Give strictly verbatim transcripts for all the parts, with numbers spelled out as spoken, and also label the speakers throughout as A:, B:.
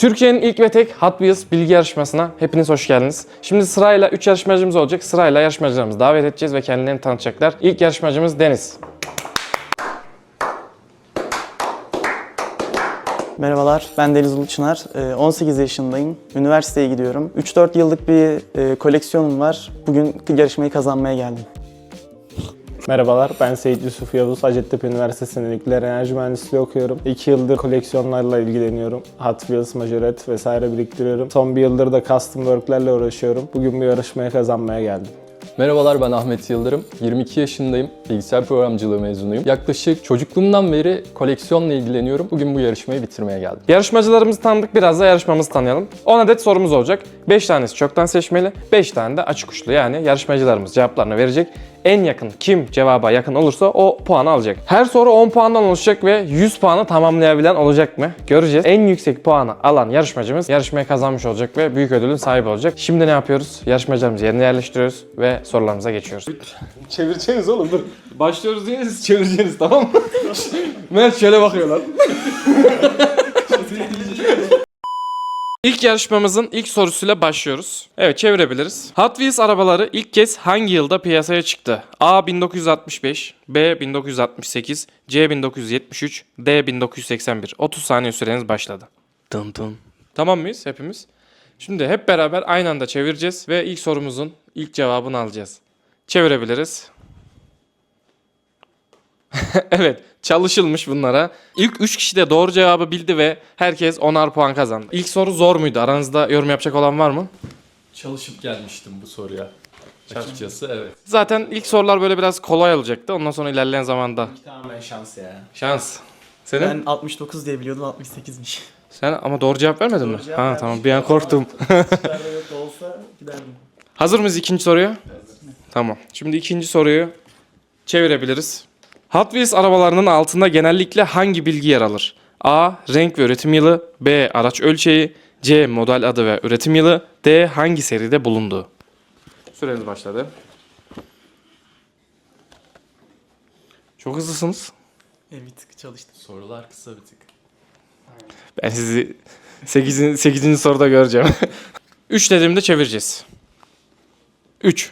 A: Türkiye'nin ilk ve tek Hot Wheels bilgi yarışmasına hepiniz hoş geldiniz. Şimdi sırayla üç yarışmacımız olacak. Sırayla yarışmacılarımızı davet edeceğiz ve kendilerini tanıtacaklar. İlk yarışmacımız Deniz.
B: Merhabalar, ben Deniz Uluçınar. on sekiz yaşındayım. Üniversiteye gidiyorum. üç dört yıllık bir koleksiyonum var. Bugün yarışmayı kazanmaya geldim.
C: Merhabalar, ben Seyit Yusuf Yavuz. Hacettepe Üniversitesi'nde nükleer enerji mühendisliği okuyorum. iki yıldır koleksiyonlarla ilgileniyorum. Hot Wheels, Majoret vesaire biriktiriyorum. Son bir yıldır da custom work'lerle uğraşıyorum. Bugün bu yarışmaya kazanmaya geldim.
D: Merhabalar, ben Ahmet Yıldırım. yirmi iki yaşındayım. Bilgisayar programcılığı mezunuyum. Yaklaşık çocukluğumdan beri koleksiyonla ilgileniyorum. Bugün bu yarışmayı bitirmeye geldim.
A: Yarışmacılarımızı tanıdık, biraz da yarışmamızı tanıyalım. on adet sorumuz olacak. beş tanesi çoktan seçmeli, beş tane de açık uçlu. Yani yarışmacılarımız cevaplarını verecek. En yakın kim cevaba yakın olursa o puanı alacak. Her soru on puandan oluşacak ve yüz puanı tamamlayabilen olacak mı? Göreceğiz. En yüksek puanı alan yarışmacımız yarışmayı kazanmış olacak ve büyük ödülün sahibi olacak. Şimdi ne yapıyoruz? Yarışmacılarımızı yerine yerleştiriyoruz ve sorularımıza geçiyoruz.
C: Çevireceğiniz oğlum, dur.
A: Başlıyoruz diye siz çevireceğiniz, tamam mı? Mert şöyle bakıyorlar. İlk yarışmamızın ilk sorusuyla başlıyoruz. Evet, çevirebiliriz. Hot Wheels arabaları ilk kez hangi yılda piyasaya çıktı? A bin dokuz yüz altmış beş, B bin dokuz yüz altmış sekiz, C bin dokuz yüz yetmiş üç, D bin dokuz yüz seksen bir. otuz saniye süreniz başladı. Dın dın. Tamam mıyız hepimiz? Şimdi hep beraber aynı anda çevireceğiz ve ilk sorumuzun ilk cevabını alacağız. Çevirebiliriz. Evet, çalışılmış bunlara. İlk üç kişi de doğru cevabı bildi ve herkes onar puan kazandı. İlk soru zor muydu? Aranızda yorum yapacak olan var mı?
D: Çalışıp gelmiştim bu soruya. Açıkçası evet.
A: Zaten ilk sorular böyle biraz kolay olacaktı. Ondan sonra ilerleyen zamanda
C: Tamamen şans ya.
A: şans. Senin?
B: Ben altmış dokuz diye biliyordum, altmış sekizmiş.
A: Sen ama doğru cevap vermedin mi?
B: cevap
A: Ha
B: vermişim.
A: tamam, bir an korktum.
B: Çıkarda olsa giderdim.
A: Hazır mıyız ikinci soruya? Tamam. Şimdi ikinci soruyu çevirebiliriz. Hot Wheels arabalarının altında genellikle hangi bilgi yer alır? A. Renk ve üretim yılı, B. Araç ölçeği, C. Model adı ve üretim yılı, D. Hangi seride bulunduğu. Süreniz başladı. Çok hızlısınız.
B: E, bir tık çalıştım.
D: Sorular kısa bir tık.
A: Ben sizi sekizinci sekizinci soruda göreceğim. üç dediğimde çevireceğiz. üç.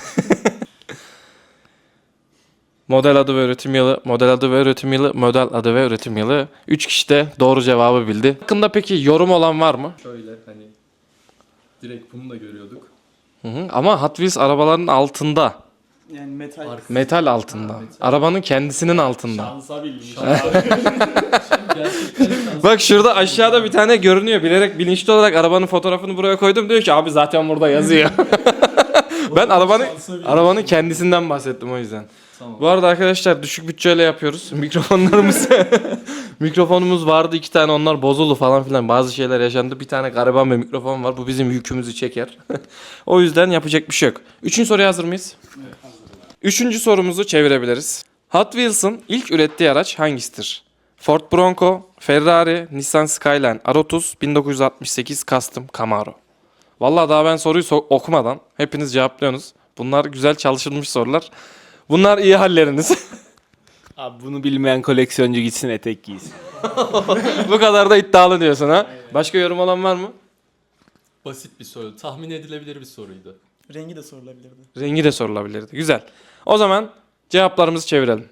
A: Model adı ve üretim yılı, model adı ve üretim yılı, model adı ve üretim yılı. üç kişi de doğru cevabı bildi. Hakkında peki yorum olan var mı?
D: Şöyle hani direkt bunu da görüyorduk.
A: Hı hı. Ama Hot Wheels arabaların altında.
B: Yani metal.
D: Arka-
A: Metal altında.
D: Ha, metal.
A: Arabanın kendisinin altında.
C: Şansa bilmiş.
D: Gerçekten şans.
A: Bak şurada aşağıda bir tane görünüyor. Bilerek bilinçli olarak arabanın fotoğrafını buraya koydum. Diyor ki abi zaten burada yazıyor. Ben arabanın arabanın kendisinden bahsettim o yüzden.
D: Tamam.
A: Bu arada arkadaşlar düşük bütçeyle yapıyoruz. Mikrofonlarımız mikrofonumuz vardı iki tane, onlar bozuldu falan filan. Bazı şeyler yaşandı. Bir tane gariban bir mikrofon var. Bu bizim yükümüzü çeker. O yüzden yapacak bir şey yok. Üçüncü soruya hazır mıyız? Evet, hazırım. Üçüncü sorumuzu çevirebiliriz. Hot Wheels'ın ilk ürettiği araç hangisidir? Ford Bronco, Ferrari, Nissan Skyline, R otuz, bin dokuz yüz altmış sekiz Custom Camaro. Vallahi daha ben soruyu so- okumadan hepiniz cevaplıyorsunuz. Bunlar güzel çalışılmış sorular. Bunlar iyi halleriniz.
C: Abi bunu bilmeyen koleksiyoncu gitsin etek giysin.
A: Bu kadar da iddialı diyorsun ha. Başka yorum olan var mı?
D: Basit bir soru. Tahmin edilebilir bir soruydu.
B: Rengi de sorulabilirdi.
A: Rengi de sorulabilirdi. Güzel. O zaman cevaplarımızı çevirelim.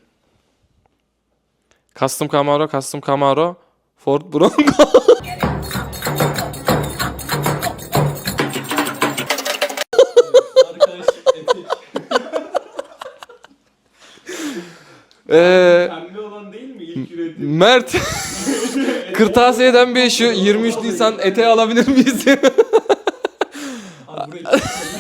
A: Custom Camaro, Custom Camaro, Ford Bronco.
D: Arkadaş etek.
A: Ee,
C: Pembe olan değil mi ilk üretim?
A: Mert Kırtasiye'den bir şu yirmi üç Nisan eteği alabilir miyiz?
D: Abi burayı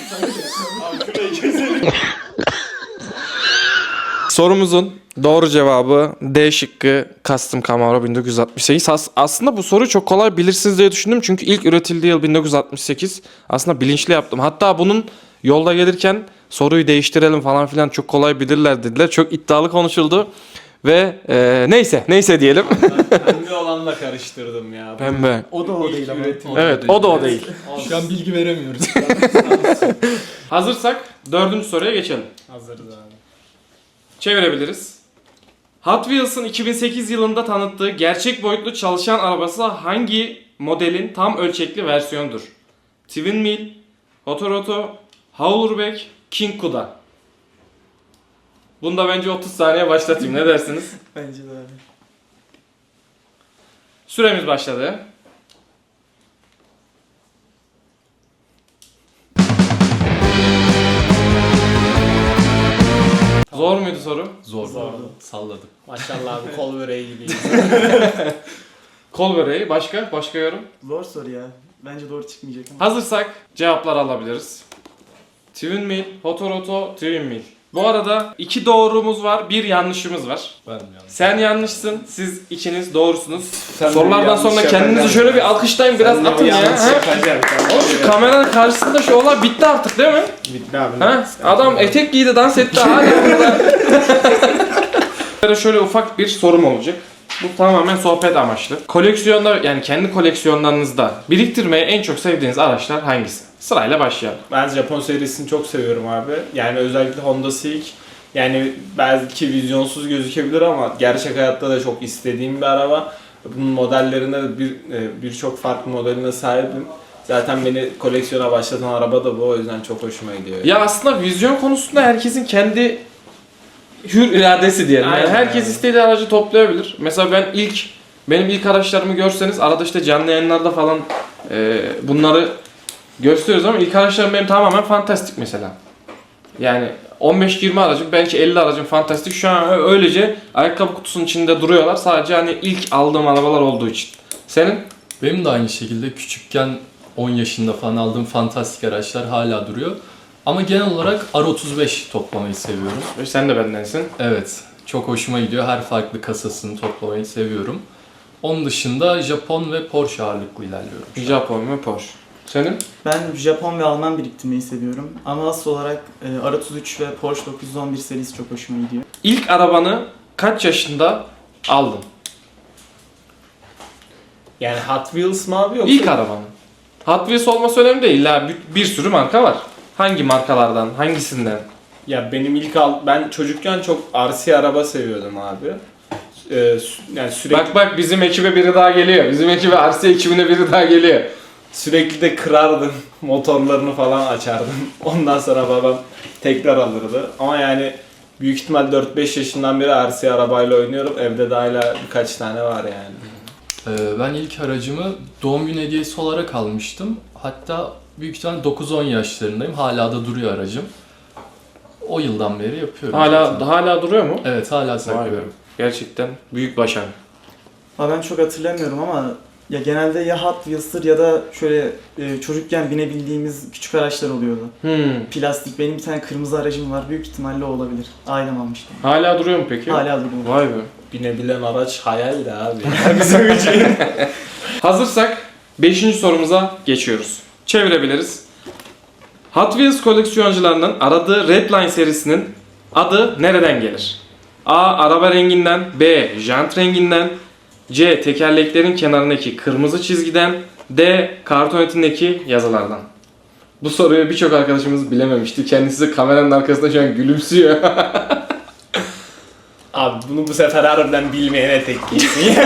A: Sorumuzun doğru cevabı D şıkkı, Custom Camaro bin dokuz yüz altmış sekiz. As- aslında bu soruyu çok kolay bilirsiniz diye düşündüm. Çünkü ilk üretildiği yıl bin dokuz yüz altmış sekiz. Aslında bilinçli yaptım. Hatta bunun yolda gelirken soruyu değiştirelim falan filan, çok kolay bilirler dediler. Çok iddialı konuşuldu. Ve e, neyse neyse diyelim.
C: Pembe olanla karıştırdım ya.
A: Pembe.
B: O da o değil ama.
A: Evet, o da o değil.
D: şu an bilgi veremiyoruz.
A: Hazırsak dördüncü soruya geçelim.
C: Hazırız abi.
A: Çevirebiliriz. Hot Wheels'ın iki bin sekiz yılında tanıttığı gerçek boyutlu çalışan arabası hangi modelin tam ölçekli versiyonudur? Twin Mill, Hotoroto, Howlerback, King Kuda. Bunda bence otuz saniye başlatayım. Ne dersiniz?
B: Bence de öyle.
A: Süremiz başladı. Zor muydu soru?
D: Zor.
C: Zordu.
D: Salladım.
C: Maşallah abi kol böreği gibiyiz.
A: Kol böreği. Başka? Başka yorum?
B: Zor soru ya. Bence doğru çıkmayacak ama.
A: Hazırsak cevaplar alabiliriz. Twin Mill, Hotoroto, Twin Mill. Bu arada iki doğrumuz var, bir yanlışımız var.
D: Ben mi yanlış?
A: Sen yanlışsın, siz ikiniz doğrusunuz.
C: Sen de
A: Sorulardan
C: yanlış
A: sonra
C: yapacaksın.
A: kendinizi şöyle bir alkışlayın, biraz atın ya. Ha? Oğlum şu kameranın karşısında şu olay bitti artık değil mi?
C: Bitti abi.
A: Ha? Adam etek giydi, dans etti hala burada. Şöyle ufak bir sorum olacak. Bu tamamen sohbet amaçlı. Koleksiyonda, yani kendi koleksiyonlarınızda biriktirmeyi en çok sevdiğiniz araçlar hangisi? Sırayla başlayalım.
C: Ben Japon serisini çok seviyorum abi. Yani özellikle Honda Civic. Yani belki vizyonsuz gözükebilir ama gerçek hayatta da çok istediğim bir araba. Bunun modellerinde de bir e, birçok farklı modeline sahibim. Zaten beni koleksiyona başlatan araba da bu. O yüzden çok hoşuma gidiyor.
A: Ya aslında vizyon konusunda herkesin kendi hür iradesi diyelim. Yani
C: Aynen
A: herkes
C: yani.
A: istediği aracı toplayabilir. Mesela ben ilk, benim ilk araçlarımı görseniz arada işte canlı yayınlarda falan e, bunları gösteriyoruz ama ilk araçlarım benim tamamen fantastik mesela. Yani on beş yirmi aracım, belki elli aracım fantastik. Şu an öylece ayakkabı kutusunun içinde duruyorlar. Sadece hani ilk aldığım arabalar olduğu için. Senin?
D: Benim de aynı şekilde küçükken on yaşında falan aldığım fantastik araçlar hala duruyor. Ama genel olarak R otuz beş toplamayı seviyorum.
A: Sen de bendensin.
D: Evet, çok hoşuma gidiyor. Her farklı kasasını toplamayı seviyorum. Onun dışında Japon ve Porsche ağırlıklı ilerliyorum.
A: Japon ve Porsche. Senin?
B: Ben Japon ve Alman biriktirmeyi seviyorum. Ama asıl olarak e, R otuz üç ve Porsche dokuz yüz on bir serisi çok hoşuma gidiyor.
A: İlk arabanı kaç yaşında aldın?
C: Yani Hot Wheels mı abi yoksa?
A: İlk arabanı. Hot Wheels olması önemli değil. İlla bir, bir sürü marka var. Hangi markalardan, hangisinden?
C: Ya benim ilk al ben çocukken çok R C araba seviyordum abi. Ee, sü- yani sürekli
A: Bak bak bizim ekibe biri daha geliyor. Bizim ekibe R C ekibine biri daha geliyor.
C: sürekli de kırardım. Motorlarını falan açardım. Ondan sonra babam tekrar alırdı. Ama yani büyük ihtimal dört beş yaşından beri R C arabayla oynuyorum. Evde de hala birkaç tane var yani.
D: Ee, ben ilk aracımı doğum günü hediyesi olarak almıştım. Hatta büyük ihtimalle dokuz on yaşlarındayım. Hala da duruyor aracım. O yıldan beri yapıyorum.
A: Hala
D: zaten.
A: hala duruyor mu?
D: Evet, hala
A: Vay be.
D: saklıyorum.
A: Gerçekten büyük başarı.
B: Ha ben çok hatırlamıyorum ama ya genelde ya Hot Wheels'tır ya da şöyle e, çocukken binebildiğimiz küçük araçlar oluyordu.
A: Hmm.
B: Plastik. Benim bir tane kırmızı aracım var. Büyük ihtimalle o olabilir. Ailem almıştı.
A: Hala duruyor mu peki?
B: Hala duruyor.
A: Vay be.
C: Binebilen araç hayal de abi. Bizim için.
A: Hazırsak beşinci sorumuza geçiyoruz. Çevirebiliriz. Hot Wheels koleksiyoncularının aradığı Redline serisinin adı nereden gelir? A. Araba renginden, B. Jant renginden, C. Tekerleklerin kenarındaki kırmızı çizgiden, D. Karton etindeki yazılardan. Bu soruyu birçok arkadaşımız bilememişti. Kendisi kameranın arkasında şu an gülümsüyor.
C: Abi bunu bu sefer harbiden bilmeyene tek giysin.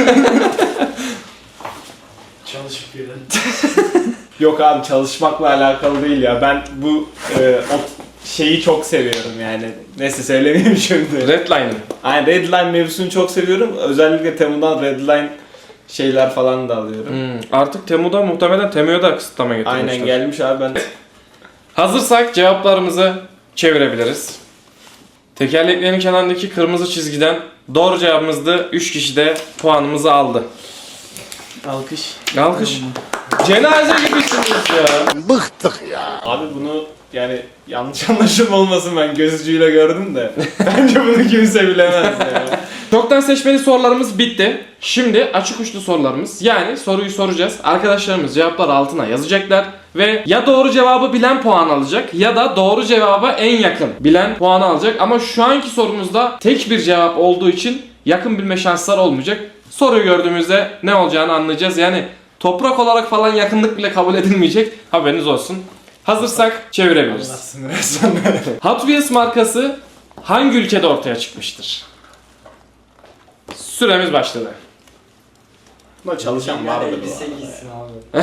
E: Çalışıp gelen.
C: Yok abi çalışmakla alakalı değil ya. Ben bu e, o şeyi çok seviyorum yani. Neyse söylemeyeyim şimdi.
A: Redline'ın.
C: Aynen Redline mevzusunu çok seviyorum. Özellikle Temu'dan Redline şeyler falan da alıyorum.
A: Hmm, artık Temu'da muhtemelen Temu'ya da kısıtlama getirmişler.
C: Aynen gelmiş abi ben.
A: Hazırsak cevaplarımızı çevirebiliriz. Tekerleklerin kenarındaki kırmızı çizgiden doğru cevabımızdı. üç kişi de puanımızı aldı.
B: Alkış.
A: Alkış. Cenaze gibisiniz ya.
C: Abi bunu yani yanlış anlaşılma olmasın ben gözcüyle gördüm de. Bence bunu kimse bilemez yani.
A: Çoktan seçmeli sorularımız bitti. Şimdi açık uçlu sorularımız. Yani soruyu soracağız. Arkadaşlarımız cevapları altına yazacaklar. Ve ya doğru cevabı bilen puan alacak ya da doğru cevaba en yakın bilen puanı alacak. Ama şu anki sorumuzda tek bir cevap olduğu için yakın bilme şansları olmayacak. Soruyu gördüğümüzde ne olacağını anlayacağız. Yani toprak olarak falan yakınlık bile kabul edilmeyecek. Haberiniz olsun. Hazırsak çevirebiliriz.
C: Anlatsın resmen.
A: Hot Wheels markası hangi ülkede ortaya çıkmıştır? Süremiz başladı.
C: Buna çalışan vardır bu
E: elbise
C: arada.
E: giysin abi.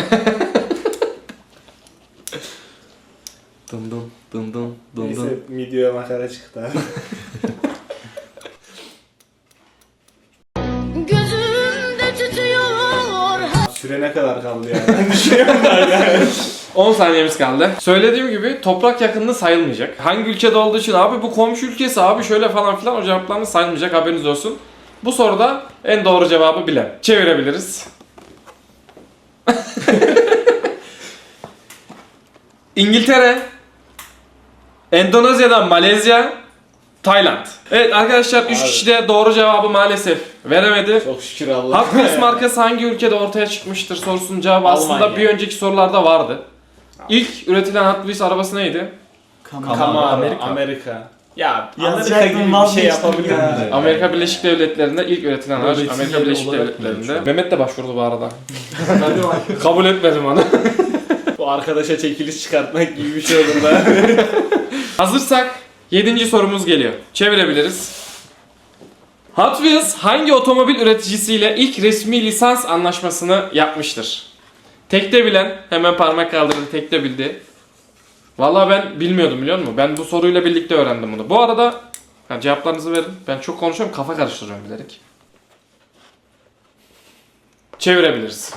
A: Dın dın dın dın dın
C: Neyse
A: dın.
C: videoya makara çıktı abi.
F: Gözümde tütüyor
C: Süre ne kadar kaldı yani? Ben düşünüyorum da yani.
A: on saniyemiz kaldı. Söylediğim gibi toprak yakınlığı sayılmayacak. Hangi ülkede olduğu için abi bu komşu ülkesi abi şöyle falan filan o cevaplarınız sayılmayacak, haberiniz olsun. Bu soruda en doğru cevabı bilen. Çevirebiliriz. İngiltere, Endonezya'dan Malezya, Tayland. Evet arkadaşlar üç
C: Abi.
A: kişi de doğru cevabı maalesef veremedi.
C: Çok şükür Allah.
A: Hot Wheels markası hangi ülkede ortaya çıkmıştır sorusunun cevabı aslında
C: Almanya.
A: bir önceki sorularda vardı. İlk üretilen Hot Wheels arabası neydi?
B: Kamera.
C: Camaro,
A: Amerika.
C: Amerika. Ya
B: Yazacaktım,
C: Amerika gibi bir şey
B: vazgeçtim
C: yapabilir
B: ya.
C: miyiz?
A: Amerika Birleşik Devletleri'nde ilk üretilen araç
D: Üretim
A: Amerika
D: yeri
A: Birleşik
D: olarak
A: Devletleri'nde.
D: biliyorum.
A: Mehmet de başvurdu bu arada.
E: Hadi bak.
A: Kabul etmedim onu.
C: Bu arkadaşa çekiliş çıkartmak gibi bir şey olur da.
A: Hazırsak yedinci sorumuz geliyor. Çevirebiliriz. Hot Wheels hangi otomobil üreticisiyle ilk resmi lisans anlaşmasını yapmıştır? Tekte bilen hemen parmak kaldırdı, tekte bildi. Vallahi ben bilmiyordum, biliyor musun? Ben bu soruyla birlikte öğrendim bunu. Bu arada ha, cevaplarınızı verin. Ben çok konuşuyorum, kafa karıştırıyorum bilerek. Çevirebiliriz.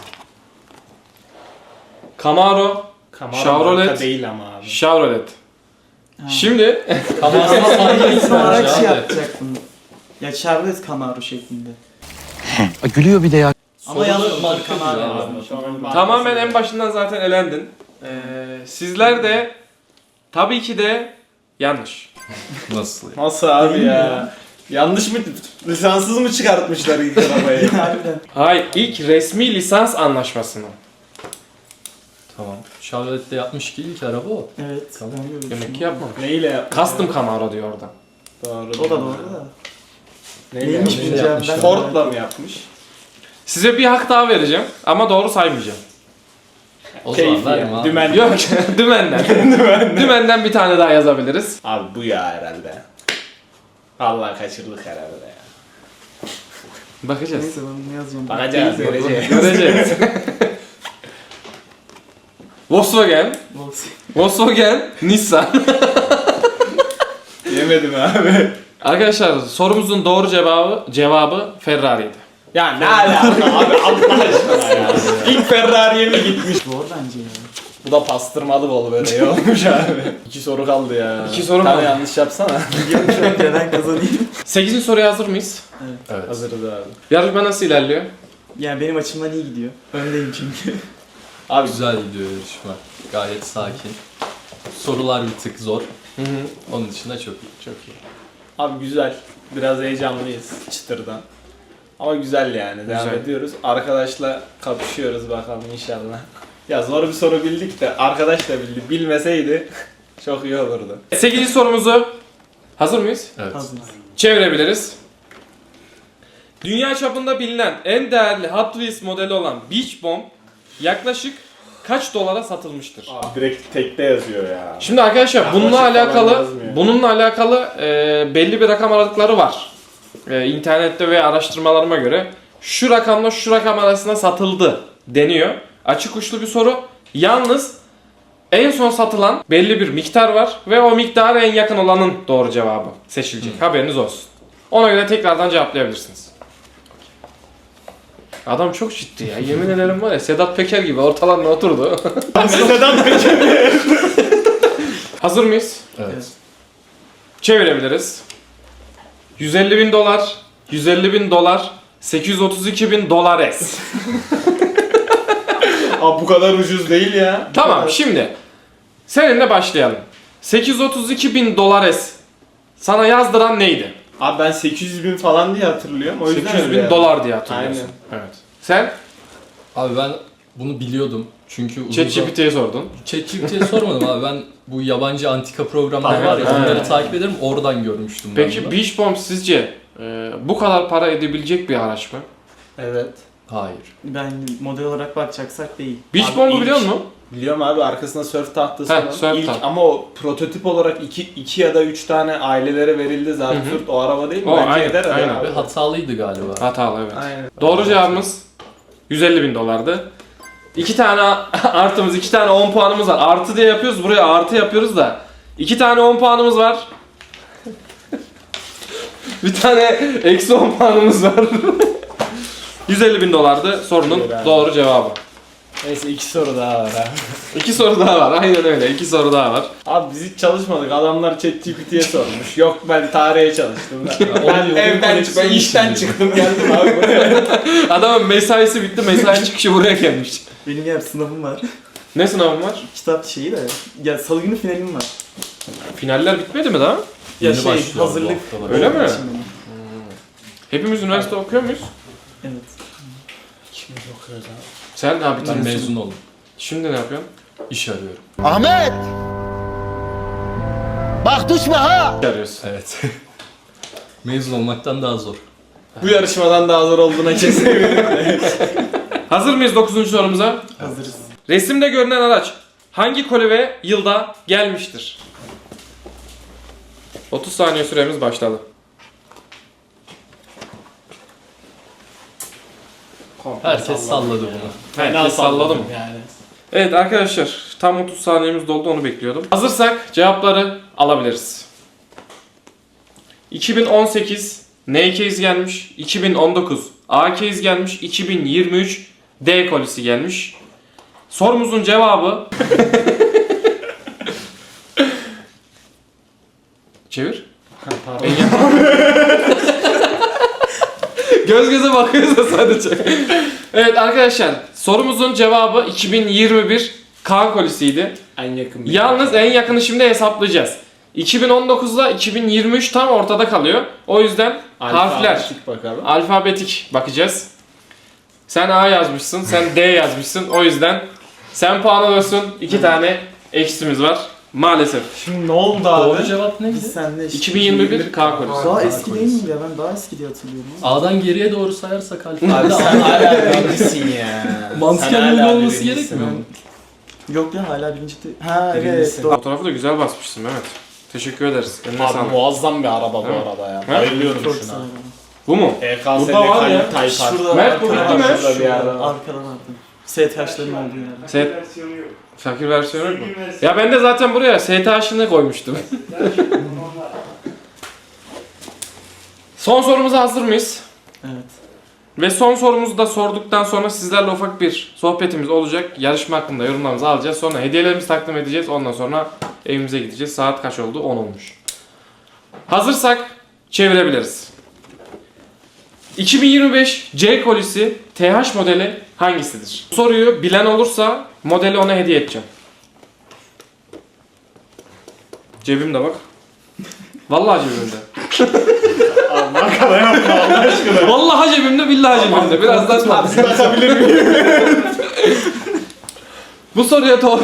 A: Camaro,
C: Camaro
A: Chevrolet.
C: marka değil ama abi.
A: Chevrolet. Şimdi
D: Ama hangi
B: İsim olarak şey
D: abi?
B: yapacaktım. Ya Chevrolet Camaro şeklinde.
G: Gülüyor bir de ya.
B: Ama yazdım
D: marka
B: Camaro
D: diyor
B: yazdım.
D: abi.
A: tamamen en başından zaten elendin. Ee, sizler de tabii ki de yanlış.
D: Nasıl?
C: Nasıl abi ya? Yanlış mı? Lisanssız mı çıkartmışlar ilk arabayı?
B: Harbiden.
A: Hayır, ilk resmi lisans anlaşmasını.
D: Tamam. Chevrolet'te yapmış ki ilk araba o.
B: Evet.
D: Tamam.
B: ben de öyle
A: Demek ki
B: düşünüyorum.
A: yapmamış.
C: Neyle yapmış?
A: Custom Camaro diyor orada.
C: Doğru.
B: O da doğru da.
C: Neyle
B: Neymiş
C: yapmış?
B: bu cevap? Ben-
C: Ford'la mı yapmış?
A: Size bir hak daha vereceğim ama doğru saymayacağım.
D: O
C: Keyif
D: zaman verme
C: yani.
D: abi.
C: Dümen.
A: Yok, dümenden. Dümenden bir tane daha yazabiliriz.
C: Abi bu ya herhalde. Allah kaçırdık herhalde ya.
A: Bakacağız.
B: Neyse ben bunu yazacağım.
C: Bakacağız, göreceğiz.
A: Göreceğiz. Volkswagen,
B: Volkswagen.
A: Volkswagen, Nissan.
C: Yemedim abi.
A: Arkadaşlar sorumuzun doğru cevabı cevabı Ferrari'ydi.
C: Ya ne alaka abi Allah aşkına ya. İlk Ferrari'ye mi gitmiş?
B: Zor bence ya.
C: Bu da pastırmalı bol böreği olmuş abi. İki soru kaldı ya.
A: İki soru
C: Bir tane
A: kaldı.
C: yanlış yapsana.
B: Biliyorum şu an neden kazanayım.
A: sekizinci soruya hazır mıyız?
D: Evet.
C: Hazırız abi.
A: Yarışma nasıl ilerliyor?
B: Yani benim açımdan iyi gidiyor. Öndeyim çünkü.
C: Abi
D: Güzel gidiyor yarışma. Gayet sakin. Sorular bir tık zor.
A: Hı hı.
D: Onun dışında çok iyi.
A: Çok iyi.
C: Abi güzel. Biraz heyecanlıyız çıtırdan. Ama güzel yani. Devam
A: Güzel.
C: ediyoruz. Arkadaşla kapışıyoruz bakalım inşallah. Ya zor bir soru bildik de arkadaş da bildi. Bilmeseydi çok iyi olurdu.
A: sekizinci sorumuzu hazır mıyız?
D: Evet.
B: Hazırız.
A: Çevirebiliriz. Dünya çapında bilinen en değerli Hot Wheels modeli olan Beach Bomb yaklaşık kaç dolara satılmıştır?
C: Abi direkt tekte yazıyor ya.
A: Şimdi arkadaşlar
C: Yaklaşık
A: bununla
C: falan
A: alakalı
C: yazmıyor.
A: bununla alakalı e, belli bir rakam aralıkları var. E, internette ve araştırmalarıma göre şu rakamla şu rakam arasında satıldı deniyor. Açık uçlu bir soru. Yalnız en son satılan belli bir miktar var ve o miktara en yakın olanın doğru cevabı seçilecek. Haberiniz olsun. Ona göre tekrardan cevaplayabilirsiniz. Adam çok ciddi ya. Yemin ederim var ya Sedat Peker gibi ortalarına oturdu.
C: Sedat Peker.
A: Hazır mıyız?
D: Evet.
A: Çevirebiliriz. yüz elli bin dolar, yüz elli bin dolar, sekiz yüz otuz iki bin dolar es.
C: Abi bu kadar ucuz değil ya.
A: Tamam şimdi seninle başlayalım. sekiz yüz otuz iki bin dolar es sana yazdıran neydi?
C: Abi ben sekiz yüz bin falan diye hatırlıyorum. O yüzden
A: sekiz yüz
C: öyle
A: bin
C: yani.
A: dolar diye hatırlıyorsun.
C: Aynen.
A: Evet. Sen
D: Abi ben bunu biliyordum. Çünkü uzun
A: ChatGPT'ye sordun.
D: ChatGPT'ye sormadım abi. Ben bu yabancı antika programlar
A: Evet,
D: var ya
A: evet.
D: onları takip ederim. Oradan görmüştüm ben
A: Peki
D: bunu.
A: Beach Bomb sizce e, bu kadar para edebilecek bir araç mı?
C: Evet.
D: Hayır.
B: Ben model olarak bakacaksak değil.
A: Beach
C: Abi
A: Bomb'u
C: ilk-
A: biliyor musun?
C: Biliyorum abi arkasında sörf tahtası
A: Heh,
C: var.
A: sörf
C: İlk,
A: taht-
C: ama o prototip olarak iki, iki ya da üç tane ailelere verildi zaten.
A: Hı hı.
C: O araba değil mi?
A: O,
C: Bence
A: aynen,
C: eder
A: aynen.
C: abi.
D: Ve hatalıydı galiba.
A: Hatalı evet.
C: Aynen.
A: Doğru cevabımız yüz elli bin dolardı. İki tane artımız, iki tane on puanımız var. Artı diye yapıyoruz, buraya artı yapıyoruz da. İki tane on puanımız var. Bir tane eksi on puanımız var. yüz elli bin dolardı sorunun doğru cevabı.
C: Neyse iki soru daha var ha.
A: İki soru daha var, aynen öyle. İki soru daha var.
C: Abi biz hiç çalışmadık. Adamlar ChatGPT'ye sormuş. Yok ben tarihe çalıştım.
D: on
C: ben
D: yıldır
C: evden
D: koleksiyon
C: çıktım, ben işten
D: işliyor.
C: çıktım geldim abi buraya.
A: Adamın mesaisi bitti, mesai çıkışı buraya gelmiş.
B: Benim yer sınavım var.
A: Ne sınavın var?
B: Kitap şeyi de. Ya salı günü finalim var.
A: Finaller bitmedi mi daha?
B: Ya
D: Yeni
B: şey
D: başlıyor bu
B: hazırlık.
D: haftalar.
A: Öyle mi?
B: Şimdi.
A: Hepimiz üniversite okuyor muyuz?
B: Evet.
C: Şimdi okuyoruz abi.
A: Sen ne abi?
D: Ben mezun oldum.
A: Şimdi ne yapıyorsun?
D: İş arıyorum.
H: Ahmet! Bak düşme ha!
A: Ne arıyorsun?
D: Evet. Mezun olmaktan daha zor.
C: Bu yarışmadan daha zor olduğuna kesin eminim.
A: Hazır mıyız dokuzuncu sorumuza?
B: Hazırız.
A: Resimde görünen araç hangi koli ve yılda gelmiştir? otuz saniye süremiz başladı.
D: Herkes salladı bunu.
A: Herkes salladı mı?
C: Yani.
A: Evet arkadaşlar tam otuz saniyemiz doldu, onu bekliyordum. Hazırsak cevapları alabiliriz. iki bin on sekiz N case gelmiş, iki bin on dokuz A case gelmiş, iki bin yirmi üç D kolisi gelmiş. Sorumuzun cevabı çevir.
C: Pardon.
A: Göz göze bakıyoruz da sadece. Evet arkadaşlar sorumuzun cevabı iki bin yirmi bir K kolisiydi.
C: En yakın bir.
A: Yalnız en yakını şimdi hesaplayacağız. iki bin on dokuzla iki bin yirmi üç tam ortada kalıyor. O yüzden harfler
C: Alfabetik bakalım.
A: alfabetik bakacağız. Sen A yazmışsın, sen D yazmışsın. O yüzden sen puan alıyorsun. İki tane eksimiz var. Maalesef.
B: Şimdi ne oldu abi?
D: Doğru cevap neydi?
B: Biz senle işte.
A: iki bin yirmi bir K kolisi.
B: Daha
D: K
B: eski
D: polisi.
B: değil miyim ya? Ben daha eski diye hatırlıyorum.
D: A'dan geriye doğru sayarsak
C: Abi
D: alfabede
C: sen hala birincisin ya.
D: mantıken
C: Sen
D: öyle
C: hala
D: olması
C: birincisin.
D: gerekmiyor mu?
B: Yok ya hala birinci de... Ha evet
C: Birincisin.
B: doğru.
A: Fotoğrafı da güzel basmışsın Mehmet. Teşekkür ederiz. Eline
C: Abi
A: sağlık.
C: muazzam bir araba bu
A: Evet.
C: arada ya.
A: He?
C: Bayılıyorum
B: Çok
C: şuna.
B: sağ olun.
A: Bu mu?
C: E K S'de
A: Burada var ya.
C: Kalip Tayfar.
B: Şurada
A: Mert, bu bitti mi?
C: Şurada bir yerde var.
B: Arkadan arkadan. S T H'ların olduğu yerde.
A: Set... Fakir versiyonu yok mu? Ya ben de zaten buraya S T H'ını koymuştum. Son sorumuza hazır mıyız?
B: Evet.
A: Ve son sorumuzu da sorduktan sonra sizlerle ufak bir sohbetimiz olacak. Yarışma hakkında yorumlarımızı alacağız. Sonra hediyelerimizi takdim edeceğiz. Ondan sonra evimize gideceğiz. Saat kaç oldu? on olmuş. Hazırsak çevirebiliriz. iki bin yirmi beş C kolisi T H modeli hangisidir? Bu soruyu bilen olursa modeli ona hediye edeceğim. Cebimde bak. Vallahi cebimde.
C: Abi markada yapma Allah aşkına.
A: Vallahi cebimde, billahi cebimde. Birazdan
C: Bakabilir miyim?
A: bu soruya doğru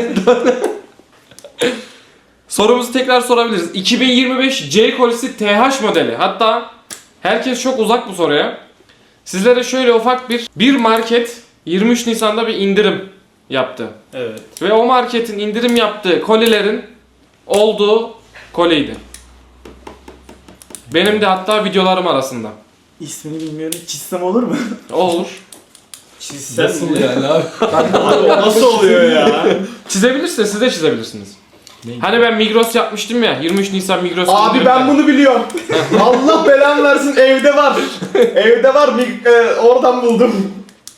A: sorumuzu tekrar sorabiliriz. iki bin yirmi beş C kolisi T H modeli. Hatta herkes çok uzak bu soruya. Sizlere şöyle ufak bir bir market yirmi üç Nisan'da bir indirim yaptı.
C: Evet.
A: Ve o marketin indirim yaptığı kolilerin olduğu koliydi. Benim de hatta videolarım arasında.
B: İsmini bilmiyorum. Çizsem olur mu?
A: O olur.
C: Çizsem
D: Nasıl
C: mi?
D: yani abi?
C: Abi o nasıl oluyor ya?
A: Çizebilirsiniz, siz de çizebilirsiniz.
D: Neydi?
A: Hani ben Migros yapmıştım ya, yirmi üç Nisan Migros.
C: Abi ben bunu biliyorum. Allah belanı versin evde var. Evde var. Mig- e, oradan buldum.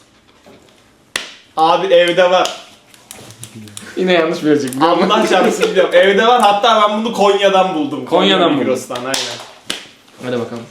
C: Abi evde var.
A: Yine yanlış bilecek.
C: Allah çarpsın biliyorum. Evde var. Hatta ben bunu Konya'dan buldum.
A: Konya'dan
C: Konya
A: buldum.
C: Migros'tan aynen.
A: Hadi bakalım.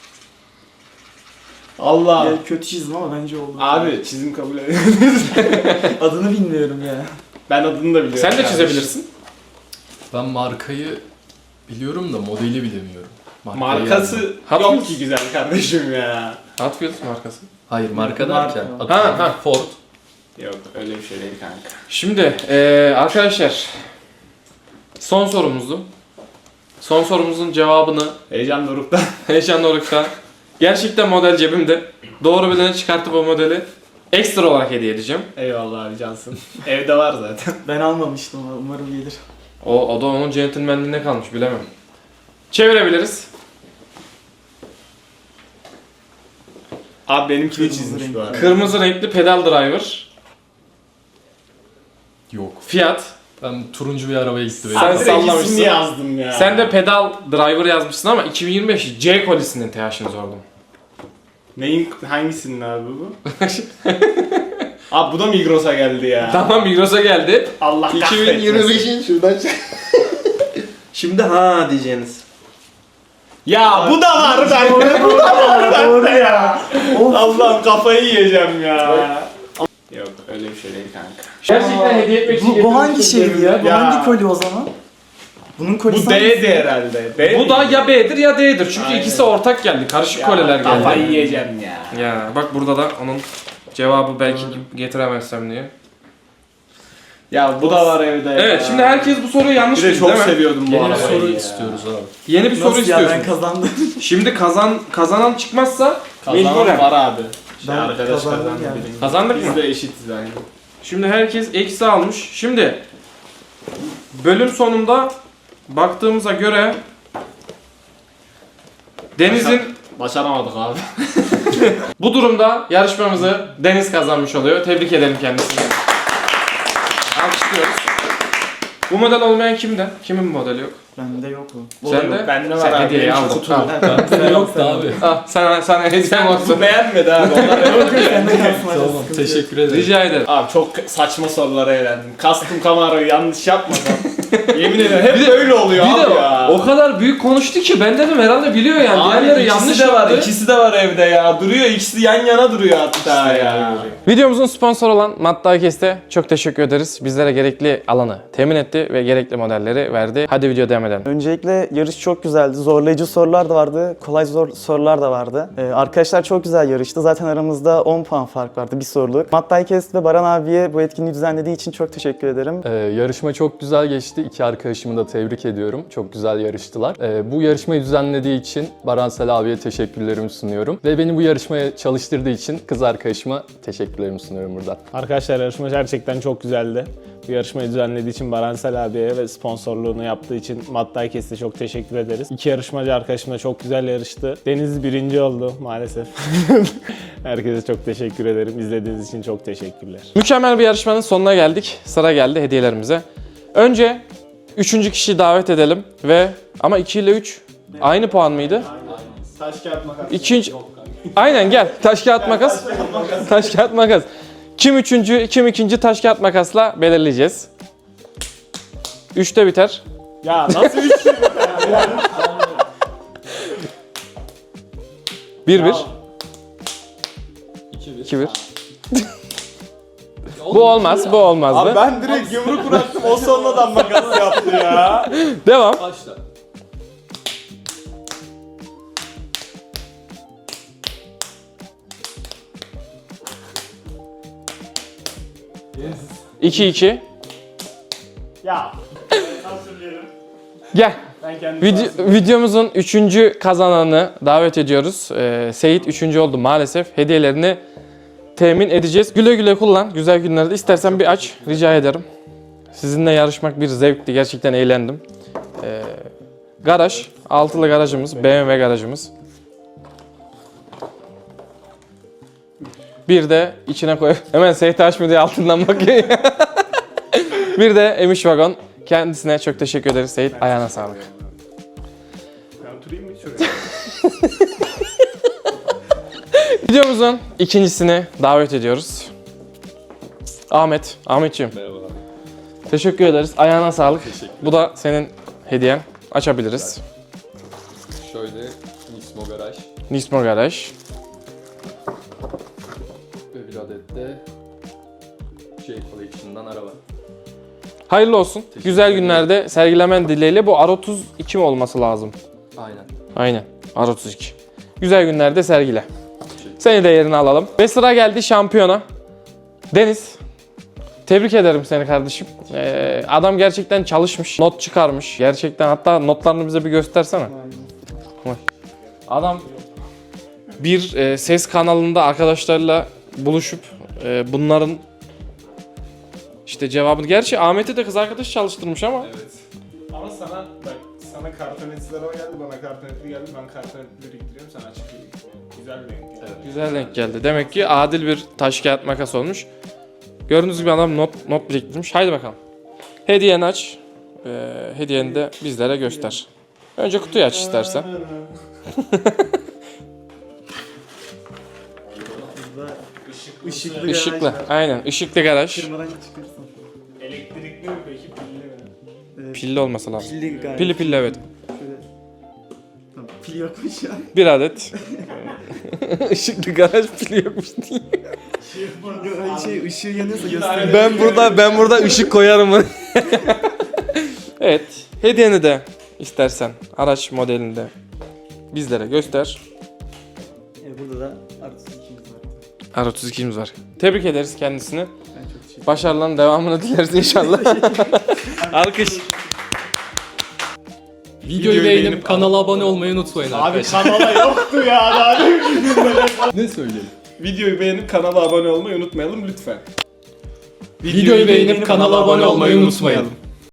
C: Allah.
B: Ya kötü çizdim ama bence oldu.
C: Abi çizim kabul ediyorum.
B: Adını bilmiyorum ya.
C: Ben adını da biliyorum.
A: Sen de
C: kardeşim.
A: çizebilirsin.
D: Ben markayı biliyorum da modeli bilemiyorum. Markayı
C: Markası
D: yani.
A: Hot
C: yok
A: Wheels.
C: ki güzel kardeşim ya.
A: Hot Wheels markası.
D: Hayır marka
B: Marka.
D: derken
B: Ha,
D: atıyorum
A: ha.
D: Ford.
C: Yok öyle bir şey değil kanka.
A: Şimdi eee, arkadaşlar son sorumuzdu. Son sorumuzun cevabını
C: Heyecan dorukta.
A: Heyecan Doruk'ta gerçekten model cebimde. Doğru bileni çıkartıp o modeli ekstra olarak hediye edeceğim.
C: Eyvallah abi cansın. Evde var zaten.
B: Ben almamıştım ama umarım gelir.
A: O, o da onun centilmenliğine kalmış, bilemem. Çevirebiliriz.
C: Abi benimki de çizmiş bu arada.
A: Kırmızı renkli pedal driver.
D: Yok.
A: Fiat.
D: Ben turuncu bir arabaya gitti benim.
A: Sen
C: Direkt
A: sallamışsın.
C: ismini yazdım ya.
A: Sen de pedal driver yazmışsın ama iki bin yirmi beş C kolisinin T H'ini sordum.
C: Neyin hangisinin abi bu? Abi bu da Migros'a geldi ya.
A: Tamam Migros'a geldi.
C: Allah
A: iki bin
C: kahretmesin.
A: yirmi beşin şuradan çık. Şimdi ha diyeceğiniz.
C: Ya bu da var bende. Bu da var bende ya. Allah'ım kafayı yiyeceğim ya. Yok öyle bir şey değil kanka.
A: Gerçekten hediye etmek için
B: Bu, bu hangi
A: getirmiştim
B: şeydi ya? Bu
C: Ya.
B: hangi koli o zaman? Bunun kolisi
C: Bu D'di herhalde. D
A: Bu da ya B'dir ya D'dir. Çünkü
C: Aynen.
A: ikisi ortak geldi. Karışık
C: Ya,
A: koleler geldi.
C: Kafayı yiyeceğim ya.
A: Ya bak burada da onun cevabı belki getiremezsem diye.
C: Ya bu da var evde ya.
A: Evet şimdi herkes bu soruyu yanlış
C: Bir de
A: bildi
C: çok
A: değil mi?
C: seviyordum bu
D: Yeni bir
C: arabayı
D: soru
C: ya.
D: istiyoruz abi.
A: Yeni bir soru
B: Nasıl ya,
A: istiyorsun.
B: ben kazandım.
A: Şimdi kazan kazanan çıkmazsa
C: Kazanan
A: mecburen.
C: var abi. İşte
B: Ben
C: arkadaş
B: kazandım
C: kazandı
B: yani.
C: birinci.
A: Kazandık
C: Biz
A: mı?
C: de eşitiz aynı.
A: Şimdi herkes eksi almış. Şimdi bölüm sonunda baktığımıza göre Deniz'in
C: Başaramadık abi.
A: bu durumda yarışmamızı Deniz kazanmış oluyor. Tebrik edelim kendisini. Alkışlıyoruz. Bu model olmayan kimde? Kimin bu modeli yok?
B: Bende yok o.
A: Sen de?
C: Bende var
A: Sen
C: abi.
A: hediyeyi
C: Benim
A: aldın.
C: kutu.
A: Al.
D: Bende yoktu abi.
A: Al, sana, sana hediyem olsun.
C: Bu beğenmedi abi. Onlar
B: Yok yok sende kalsın. hadi,
D: Tamam
B: sıkıntı yok.
D: teşekkür ederim.
A: Rica ederim.
C: Abi çok saçma sorulara eğlendim. Custom Camaro'yu yanlış yapmadan. Yemin ederim hep böyle oluyor
A: Bir
C: abi
A: de
C: ya.
A: o kadar büyük konuştu ki ben dedim herhalde biliyor yani.
C: Abi
A: Diğerleri
C: ikisi
A: yanlış
C: de var,
A: yaptı.
C: ikisi de var evde ya. Duruyor, ikisi yan yana duruyor hatta ya.
A: Videomuzun sponsoru olan Matta Kest'e çok teşekkür ederiz. Bizlere gerekli alanı temin etti ve gerekli modelleri verdi. Hadi video devam edelim.
B: Öncelikle yarış çok güzeldi. Zorlayıcı sorular da vardı, kolay zor sorular da vardı. Ee, arkadaşlar çok güzel yarıştı. Zaten aramızda on puan fark vardı bir soruluk. Matt Diecast ve Baran abiye bu etkinliği düzenlediği için çok teşekkür ederim.
I: Ee, yarışma çok güzel geçti. İki arkadaşımı da tebrik ediyorum. Çok güzel yarıştılar. Ee, bu yarışmayı düzenlediği için Baransel abiye teşekkürlerimi sunuyorum. Ve beni bu yarışmaya çalıştırdığı için kız arkadaşıma teşekkürlerimi sunuyorum buradan.
C: Arkadaşlar yarışma gerçekten çok güzeldi. Bu yarışmayı düzenlediği için Baransel abiye ve sponsorluğunu yaptığı için Matt Diecast'e çok teşekkür ederiz. İki yarışmacı arkadaşım da çok güzel yarıştı. Deniz birinci oldu maalesef. Herkese çok teşekkür ederim. İzlediğiniz için çok teşekkürler.
A: Mükemmel bir yarışmanın sonuna geldik. Sıra geldi hediyelerimize. Önce üçüncü kişiyi davet edelim ve ama iki ile üç aynı puan mıydı?
C: Taş kağıt makas.
A: İkinci... Aynen gel. Taş kağıt makas. Taş kağıt makas. Kim üçüncü, kim ikinci taş kağıt makasla belirleyeceğiz. Üçte biter.
C: Ya nasıl üç şey?
A: Bir bir. İki bir. Bu olmaz, bu olmazdı.
C: Abi ben direkt yumruk bıraktım o sonradan makas yaptı ya.
A: Devam.
D: Başla.
A: iki iki.
C: Ya. Nasıl diyelim?
A: Gel.
C: Ben kendim
A: Video, videomuzun üçüncü kazananını davet ediyoruz. Ee, Seyit üçüncü oldu maalesef. Hediyelerini temin edeceğiz. Güle güle kullan. Güzel günlerde. İstersen bir aç. Rica ederim. Sizinle yarışmak bir zevkti. Gerçekten eğlendim. Ee, garaj. Altılı garajımız. B M W garajımız. Bir de içine koy. Hemen Seyit açmıyor diye altından bakıyor. Bir de Emiş Vagon. Kendisine çok teşekkür ederiz Seyit. Ayağına sağlık.
C: Ben oturayım mı şuraya?
A: Videomuzun ikincisini davet ediyoruz. Ahmet. Ahmetciğim.
D: Merhabalar.
A: Teşekkür ederiz. Ayağına sağlık. Bu da senin hediyen. Açabiliriz.
D: Şöyle Nismo Garaj
A: Nismo Garaj.
D: ve bir adet de J Collection'dan araba.
A: Hayırlı olsun. Güzel günlerde sergilemen dileğiyle. Bu R otuz iki mi olması lazım?
D: Aynen.
A: Aynen. R otuz iki. Güzel günlerde sergile. Seni de yerine alalım. Ve sıra geldi şampiyona. Deniz. Tebrik ederim seni kardeşim. Ee, adam gerçekten çalışmış. Not çıkarmış. Gerçekten hatta notlarını bize bir göstersene. Vay. Adam bir e, ses kanalında arkadaşlarıyla buluşup e, bunların işte cevabını... Gerçi Ahmet'e de kız arkadaş çalıştırmış ama.
C: Evet. Ama sana bak sana kartonetçiler o geldi bana kartonetli geldi ben kartonetli biriktiriyorum sana açık biriktiriyorum.
A: Güzel denk geldi. Demek ki adil bir taş kağıt makas olmuş. Gördüğünüz gibi adam not not biriktirmiş. Haydi bakalım. Hediyeni aç. Ee, hediyeni de bizlere göster. Önce kutuyu aç istersen.
B: Işıklı,
A: Işıklı. Aynen. Işıklı garaj.
B: Kırmadan çıkarsın.
C: Elektrikli mi peki pilli mi?
A: Pilli olması lazım.
B: Pilli garaj.
A: Pilli pilli evet.
B: Tamam, pil yokmuş ya.
A: Bir adet. Işıklı garaj pili yokmuş diye.
B: Şey, ışığı yanıyorsa göster.
A: Ben burada ben burada ışık koyarım. Evet. Hediyeni de istersen araç modelinde bizlere göster.
B: E, burada da artı ikimiz var.
A: R otuz ikimiz var. Tebrik ederiz kendisini.
B: Ben çok teşekkür
A: Başarıların devamını dileriz inşallah. Alkış.
D: Videoyu beğenip kanala abone olmayı unutmayın
C: Abi
D: arkadaşlar.
C: kanala yoktu ya daha ne
D: Ne söyleyelim?
E: Videoyu beğenip kanala abone olmayı unutmayalım lütfen.
D: Videoyu beğenip kanala abone olmayı unutmayalım.